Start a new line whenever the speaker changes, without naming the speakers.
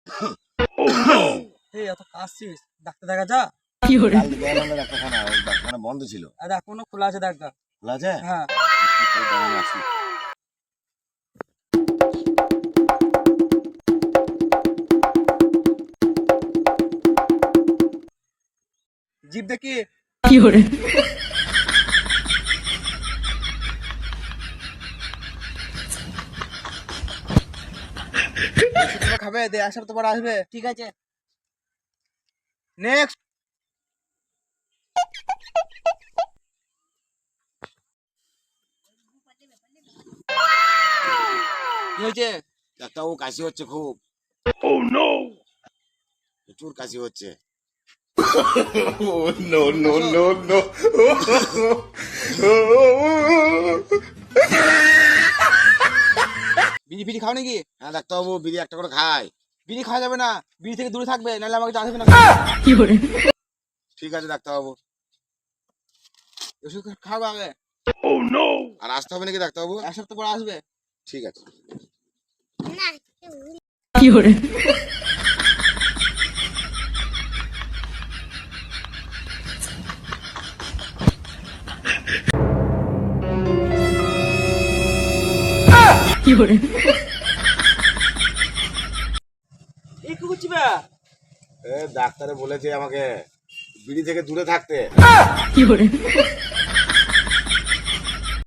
এই এত কাশছিস, ডাক্তার দেখা যা।
কালকে গেলাম না ডাক্তারখানা, ওই ডাক্তারখানা বন্ধ ছিল।
দেখ কোনো খোলা আছে, দেখ দেখ।
খোলা আছে?
হ্যাঁ।
একটু দাঁড়ান আসি।
জিভ দেখি। ওষুধগুলো খাবে, দে এক সপ্তাহ পর আসবে। ঠিক আছে। নেক্সট। কি হয়েছে?
ডাক্তারবাবু কাশি হচ্ছে খুব। প্রচুর কাশি হচ্ছে।
বিড়ি ফিড়ি খাও নাকি?
হ্যাঁ ডাক্তারবাবু, বিড়ি একটা করে খাই।
বিড়ি খাওয়া যাবে না, বিড়ি থেকে দূরে থাকবে, নাহলে আমাকে জানাবে না।
ঠিক আছে ডাক্তারবাবু।
ওষুধ খাও আগে।
আর আসতে হবে নাকি ডাক্তারবাবু?
এক সপ্তাহ পর আসবে।
ঠিক আছে।
এই কি করছি বে?
ডাক্তারে বলেছে আমাকে বিড়ি থেকে দূরে থাকতে।